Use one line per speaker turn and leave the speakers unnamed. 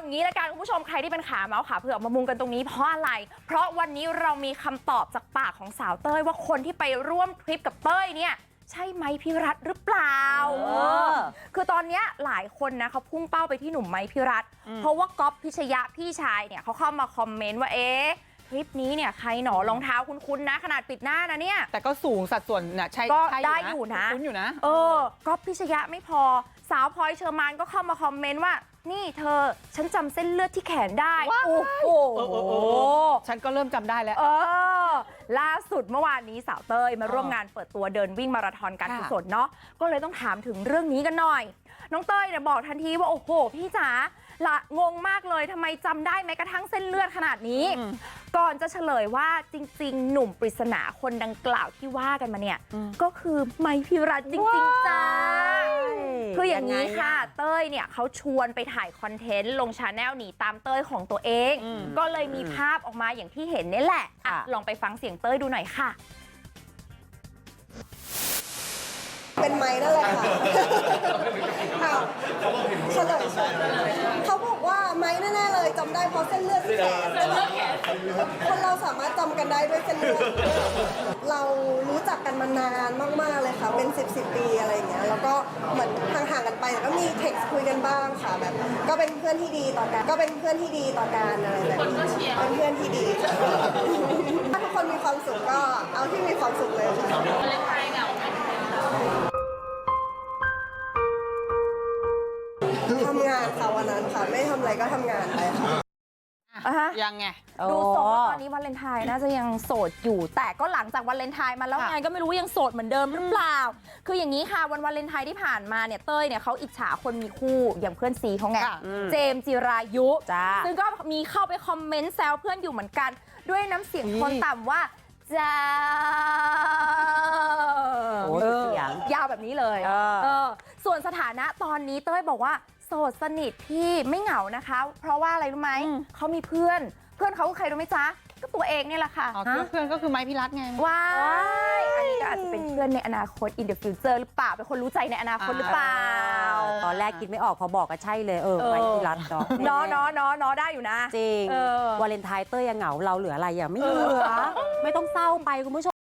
งี้ละกันคุณผู้ชมใครที่เป็นขาเมาส์ขาเผือกมามุงกันตรงนี้เพราะอะไรเพราะวันนี้เรามีคำตอบจากปากของสาวเต้ยว่าคนที่ไปร่วมทริปกับเต้ยเนี่ยใช่ไมค์พิรัตหรือเปล่าคือตอนนี้หลายคนนะเขาพุ่งเป้าไปที่หนุ่มไมค์พิรัตเพราะว่าก๊อฟพิชยะพี่ชายเนี่ยเขาเข้ามาคอมเมนต์ว่าทริปนี้เนี่ยใครหนอรองเท้าคุ้นๆนะขนาดปิดหน้านะเนี่ย
แต่ก็สูงสัดส่วนนะใช่
ก็ได้อยู่นะ
คุ้นอยู่นะ
ก๊อฟพิชยะไม่พอสาวพลอยเชอร์มานก็เข้ามาคอมเมนต์ว่านี่เธอฉันจำเส้นเลือดที่แขนได้โอ้โห
ฉันก็เริ่มจำได้แล้ว
ล่าสุดเมื่อวานนี้สาวเต้ยมาร่วมงานเปิดตัวเดินวิ่งมาราธอนการกุศลเนาะก็เลยต้องถามถึงเรื่องนี้กันหน่อยน้องเต้ยเนี่ยบอกทันทีว่าโอ้โหพี่จ๋าละงงมากเลยทำไมจำได้แม้กระทั่งเส้นเลือดขนาดนี้ก่อนจะเฉลยว่าจริงๆหนุ่มปริศนาคนดังกล่าวที่ว่ากันมาเนี่ยก็คือไมค์พิรัตจริงๆจ้าคืออย่างนี้ค่ะเต้ยเนี่ยเขาชวนไปถ่ายคอนเทนต์ลงชาแนลหนีตามเต้ยของตัวเองก็เลยมีภาพออกมาอย่างที่เห็นนี่แหละลองไปฟังเสียงเต้ยดูหน่อยค่ะ
เป็นไม้นั่นแหละค่ะเฉลยเขาบอกว่าไม้แน่ๆเลยจำได้เพราะเส้นเลือดที่แขนคนเราสามารถจำกันได้ด้วยเส้นเลือดเรารู้จักกันมานานมากๆเลยค่ะเป็น10 ปีอะไรอย่างเงี้ยแล้วก็เหมือนห่างๆกันไปแต่ก็มีเท็กซ์คุยกันบ้างค่ะแบบก็เป็นเพื่อนที่ดีต่อกันอะไรแบบนี้เป็นเพื่อนที่ดีถ้าทุกคนมีความสุขก็เอาที่มีความสุขเลยค่ะทำงานค่ะวันนั้นค่ะไม่ทำอะไรก็ทำงานไปค่ะ
ยังไง
ดูทรงว่าตอนนี้วาเลนไทน์น่าจะยังโสดอยู่แต่ก็หลังจากวาเลนไทน์มาแล้วไงก็ไม่รู้ยังโสดเหมือนเดิมหรือเปล่าคืออย่างนี้ค่ะวันวาเลนไทน์ที่ผ่านมาเนี่ยเต้ยเนี่ยเขาอิจฉาคนมีคู่อย่างเพื่อนซีเขาไงเจมส์จิรายุซึ่งก็มีเข้าไปคอมเมนต์แซวเพื่อนอยู่เหมือนกันด้วยน้ำเสียงโทนต่ำว่าจ้าเสียงยาวแบบนี้เลยส่วนสถานะตอนนี้เต้ยบอกว่าโสดสนิทพี่ไม่เหงานะคะเพราะว่าอะไรรู้ไหมเขามีเพื่อนเขาคือใครรู้ไหมจ๊ะก็ตัวเองเนี่ยแหละค่ะ
เพื่อนก็คือไม้พิรัตไง
ว้ายอันนี้ก็อาจจะเป็นเพื่อนในอนาคต in the future หรือเปล่าเป็นคนรู้ใจในอนาคตหรือเปล่า
ตอนแรกคิดไม่ออกพอบอกก็ใช่เลยไม้พิรัตเนาะ
ได้อยู่นะ
จริงวาเลนไทน์เต้ยยังเหงาเราเหลืออะไรไม่เหลือไม่ต้องเศร้าไปคุณผู้ชม